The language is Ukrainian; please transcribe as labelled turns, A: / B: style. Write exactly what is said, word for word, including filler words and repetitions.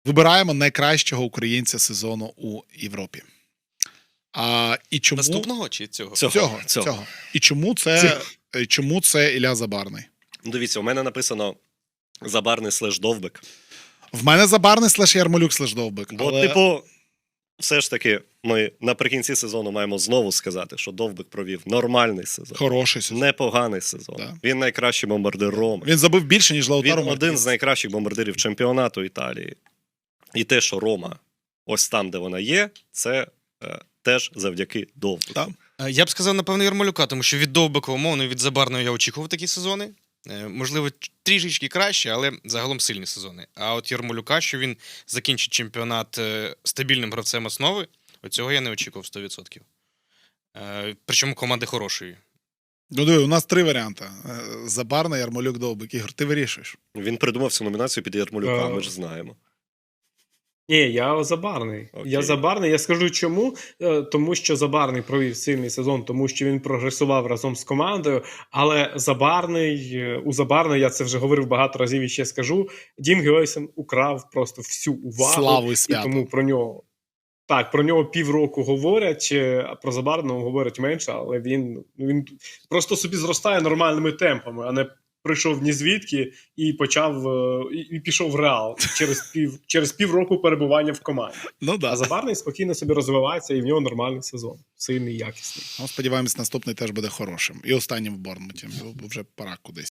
A: Вибираємо найкращого українця сезону у Європі. А, і чому...
B: Наступного чи цього?
A: Цього, цього, цього. цього. І чому це, чому це Ілля Забарний?
C: Дивіться, у мене написано Забарний слеш Довбик.
A: В мене Забарний слеш Ярмолюк слеш Довбик.
C: Бо,
A: але...
C: типу, все ж таки, ми наприкінці сезону маємо знову сказати, що Довбик провів нормальний сезон.
A: Хороший сезон.
C: Непоганий сезон.
A: Да.
C: Він найкращий бомбардир Роми.
A: Він забив більше, ніж Лаутаро.
C: Він один з найкращих бомбардирів чемпіонату Італії. І те, що Рома ось там, де вона є, це е, теж завдяки Довбику.
A: Так.
B: Я б сказав, напевно, Ярмолюка, тому що від Довбика, умовно, від Забарного я очікував такі сезони. Можливо, трішечки краще, але загалом сильні сезони. А от Ярмолюка, що він закінчить чемпіонат стабільним гравцем основи, оцього я не очікував сто відсотків. Причому команди хорошої.
A: Ну, диви, у нас три варіанти. Забарний, Ярмолюк, Довбик. Ігор, ти вирішуєш.
C: Він придумав цю номінацію під Ярмолюка, ми ж знаємо.
D: Ні, я Забарний.
C: Окей.
D: Я Забарний. Я скажу чому. Тому що Забарний провів сильний сезон, тому що він прогресував разом з командою. Але Забарний, у Забарний, я це вже говорив багато разів і ще скажу, Дім Геойсен украв просто всю увагу.
A: Славу і
D: І
A: свято.
D: тому про нього, так, про нього півроку говорять, а про Забарного говорять менше, але він, він просто собі зростає нормальними темпами, а не прийшов ні звідки і почав і, і пішов в Реал через пів через півроку перебування в команді.
A: Ну, да.
D: А Забарний спокійно собі розвивається, і в нього нормальний сезон, сильний, якісний.
A: Ну, сподіваємось, наступний теж буде хорошим. І останнім в Борнмуті, бо вже пора кудись.